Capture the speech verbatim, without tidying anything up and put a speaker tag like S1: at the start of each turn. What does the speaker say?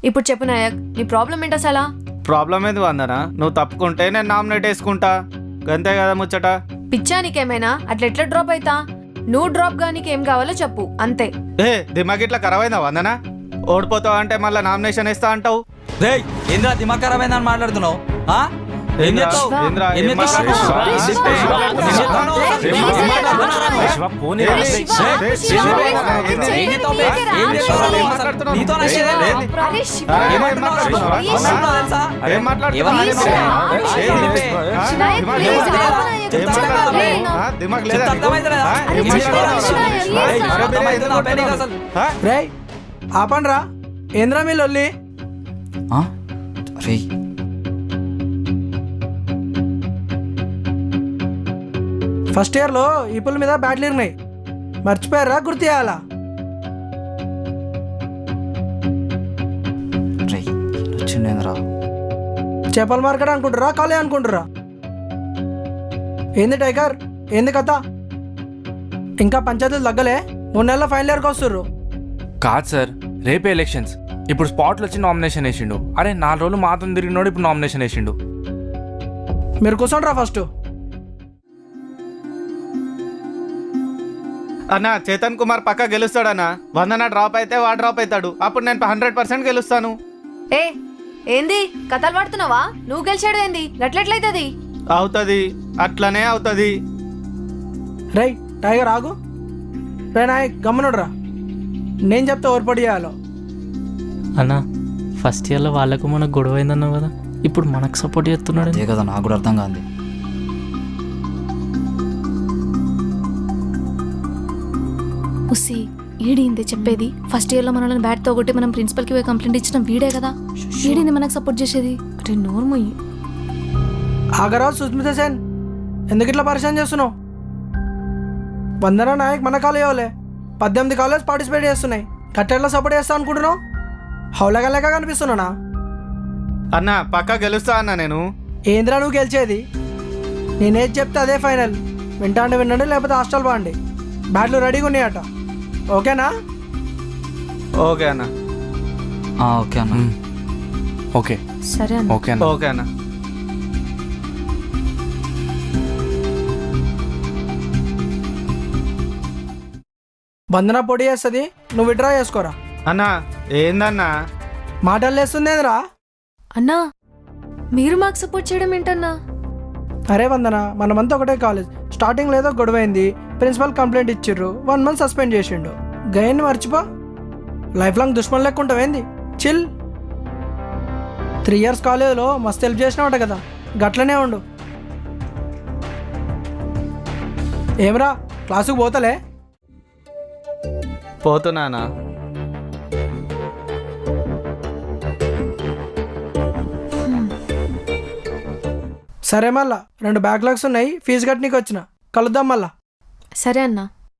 S1: ఇప్పుడు చెప్పు నాయక్, నీ ప్రాబ్లం ఏంటి అసలా?
S2: ప్రాబ్లం ఏది వందనా? నువ్వు తప్పుకుంటే నేను నామినేట్ వేసుకుంటా, గంతే కదా ముచ్చట.
S1: పిచ్చా నీకేమైనా? అట్లా ఎట్లా డ్రాప్ అయితా? నువ్వు డ్రాప్ గా నీకేం కావాలో చెప్పు, అంతే.
S2: ఏ దిమాగ్ ఇట్లా ఖరాబ్ అయిందా వందనా? ఓడిపోతావు అంటే మళ్ళీ నామినేషన్ వేస్తా అంటావు.
S3: రే ఏంద్రా దిమాగ్ ఖరాబ్ అయిందని మాట్లాడుతున్నావు? ఏం చేస్తావు?
S2: ఏంద్రా,
S3: ఏం
S2: ఏం
S3: చేస్తావు?
S2: మాట్లాడుతున్నావు?
S3: ఏం చేస్తావు?
S2: ఏం మాట్లాడుతున్నావు?
S3: ఏం చేస్తావు?
S2: ఏం మాట్లాడుతున్నావు?
S3: నీతో నచ్చేదే లేదు.
S1: అరే శివ,
S3: ఏమంటున్నావు? ఏమంటున్నావు తెలుసా?
S2: ఏం మాట్లాడుతున్నావు?
S3: ఎవరు
S2: ఏం
S3: చేస్తావు?
S1: నాయక్, ప్లీజ్ ఆపు నాయక్.
S2: ఏం మాట్లాడుతున్నావు? ఆ, దిమాగ్ లేదా నీకు?
S3: అర్థమైతలేదా?
S2: ఆ, ఏం
S3: ఏం
S2: మాట్లాడుతున్నావు?
S3: చేస్తావు?
S2: ఆ,
S3: ఏయ్,
S2: అరే బేరే,
S3: అర్థమైతుందా?
S2: ఎందుకు
S3: పెళ్ళికి
S2: కొడుతున్నావు?
S3: అసలు.
S2: ఆ?
S4: రేయ్ ఆపండ్రా, ఏంద్రా మీ లొల్లి?
S3: రే
S4: ఫస్ట్ ఇయర్లో ఈ పుల్ల మీద బ్యాట్లు ఉన్నాయి, మర్చిపోయారా? గుర్తు చేయాలా?
S3: రే వచ్చిండేంద్రా.
S4: చేపల మార్కెట్ అనుకుంటురా, కాలే అనుకుంటురా? ఏంది టైగర్, ఏంది కథ? ఇంకా పంచాయతీలు తగ్గలే, మూడు నెలల ఫైనల్ ఇయర్కి వస్తుర్రు.
S5: కాదు సార్, రేపే ఎలక్షన్స్. ఇప్పుడు స్పాట్లు వచ్చి నామినేషన్ వేసిండు. అరే నాలుగు రోజులు మాత్రం తిరిగినోడు ఇప్పుడు నామినేషన్ వేసిండు.
S4: మీరు కూర్చోండిరా ఫస్ట్.
S2: అన్న చేతన్ కుమార్ పక్క గెలుస్తాడన్నా. వందన డ్రాప్ అయితే వాడు డ్రాప్ అవుతాడు. అప్పుడు నేను హండ్రెడ్ పర్సెంట్ గెలుస్తాను.
S1: ఏ ఏంది కథలు పడుతున్నావా? నువ్వు గెలిచాడు ఏంది? గట్లెట్లయితది?
S2: అవుతుంది, అట్లనే అవుతుంది.
S4: రేయ్ టైగర్ ఆగు. రే నాయక్ గమ్మనుడ్రా, నేను చెప్తే ఓర్పడి చేయాలో.
S6: అన్నా ఫస్ట్ ఇయర్లో వాళ్ళకు మనకు గొడవ అయిందన్నావు కదా, ఇప్పుడు మనకు సపోర్ట్ చేస్తున్నాడు.
S3: అదే కదా నాకు కూడా అర్థం కాదు.
S7: ఉసి ఈడింది చెప్పేది. ఫస్ట్ ఇయర్లో మనల్ని బ్యాట్తో కొట్టి మనం ప్రిన్సిపల్కి పోయి కంప్లైంట్ ఇచ్చిన వీడే కదా, ఈడింది మనకు సపోర్ట్ చేసేది.
S1: అరే నోర్మయ్యి.
S4: ఆగరా సుస్మిత సేన్, ఎందుకు ఇట్లా పరిచయం చేస్తున్నావు? వందన నాయక్ మన కాలేజీలే పద్దెనిమిది కాలేజ్ పార్టిసిపేట్ చేస్తున్నాయి, కట్టెట్లో సపోర్ట్ చేస్తా అనుకుంటున్నావు? హౌలగా లెక్క కనిపిస్తున్నానా?
S2: అన్న పక్క గెలుస్తా అన్న నేను.
S4: ఏంద్రా నువ్వు గెలిచేది? నేనేది చెప్తే అదే ఫైనల్. వింటాండి వినండి, లేకపోతే హాస్టల్ బాండి. బ్యాట్లు రెడీగా ఉన్నాయట, ఓకేనా?
S2: ఓకే అన్న.
S3: ఓకే అన్న.
S5: ఓకే
S1: సరే అన్న.
S5: ఓకే అన్న.
S2: ఓకే అన్న.
S4: బంధన పొడి చేస్తుంది, నువ్వు విడ్రా చేసుకోరా.
S2: అన్న ఏందన్నా?
S4: మాటలు లేస్తుందేంద్రా?
S1: అన్నా మీరు మాకు సపోర్ట్ చేయడం ఏంటన్నా?
S4: అరే వందన, మనమంతా ఒకటే కాలేజ్. స్టార్టింగ్ లేదో గొడవైంది, ప్రిన్సిపల్ కంప్లైంట్ ఇచ్చిర్రు, వన్ మంత్ సస్పెండ్ చేసిండు. గయన్ని మర్చిపో, లైఫ్ లాంగ్ దుష్మన్ లెక్క ఉంటావేంది? చిల్. త్రీ ఇయర్స్ కాలేజ్లో మస్తు హెల్ప్ చేసినావట కదా, గట్లనే ఉండు. ఏమరా క్లాసుకు పోతలే?
S2: పోతున్నానా?
S4: సరే మళ్ళా రెండు బ్యాక్లాగ్స్ ఉన్నాయి, ఫీజు కట్టనీకి వచ్చిన, కలుద్దాం మళ్ళా.
S1: సరే అన్నా.